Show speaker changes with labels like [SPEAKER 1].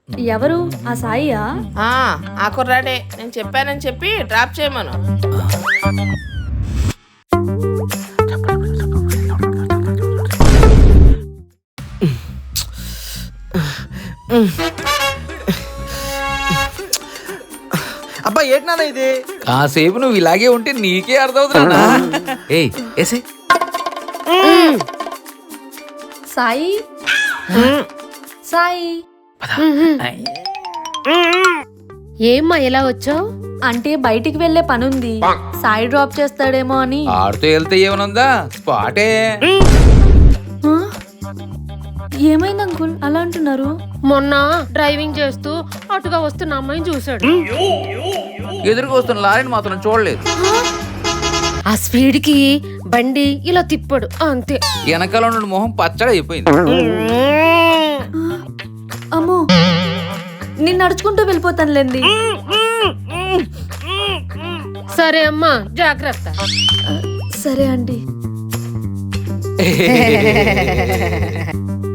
[SPEAKER 1] ఎవరు ఆ సాయియా?
[SPEAKER 2] ఆ కుర్రాడే, నేను చెప్పానని చెప్పి డ్రాప్ చేయమను.
[SPEAKER 3] అబ్బా ఏంటి నాన్న ఇది?
[SPEAKER 4] కాసేపు నువ్వు ఇలాగే ఉంటే నీకే అర్థమవుతున్నా. ఏయ్ ఏసే.
[SPEAKER 1] సాయి సాయి
[SPEAKER 5] ఏమ్మా ఎలా వచ్చావు?
[SPEAKER 1] అంటే బయటికి వెళ్లే పనుంది, సాయి డ్రాప్ చేస్తాడేమో అని.
[SPEAKER 4] ఆడుతూ వెళ్తే ఏమనుందా, స్పాటే.
[SPEAKER 1] ఆ? ఏమైంది అంకుల్ అలా అంటున్నారు?
[SPEAKER 5] మొన్న డ్రైవింగ్ చేస్తూ అటుగా వస్తున్న అమ్మాయిని చూశాడు.
[SPEAKER 4] ఎదురుకు వస్తున్న లారీని మాత్రం చూడలేదు.
[SPEAKER 5] ఆ స్పీడ్ కి బండి ఇలా తిప్పాడు అంతే.
[SPEAKER 4] వెనకాల ఉన్న మొహం పచ్చడి అయిపోయింది.
[SPEAKER 1] అమ్మో, నేను నడుచుకుంటూ వెళ్ళిపోతానులేండి.
[SPEAKER 5] సరే అమ్మా, జాగ్రత్త.
[SPEAKER 1] సరే అండి.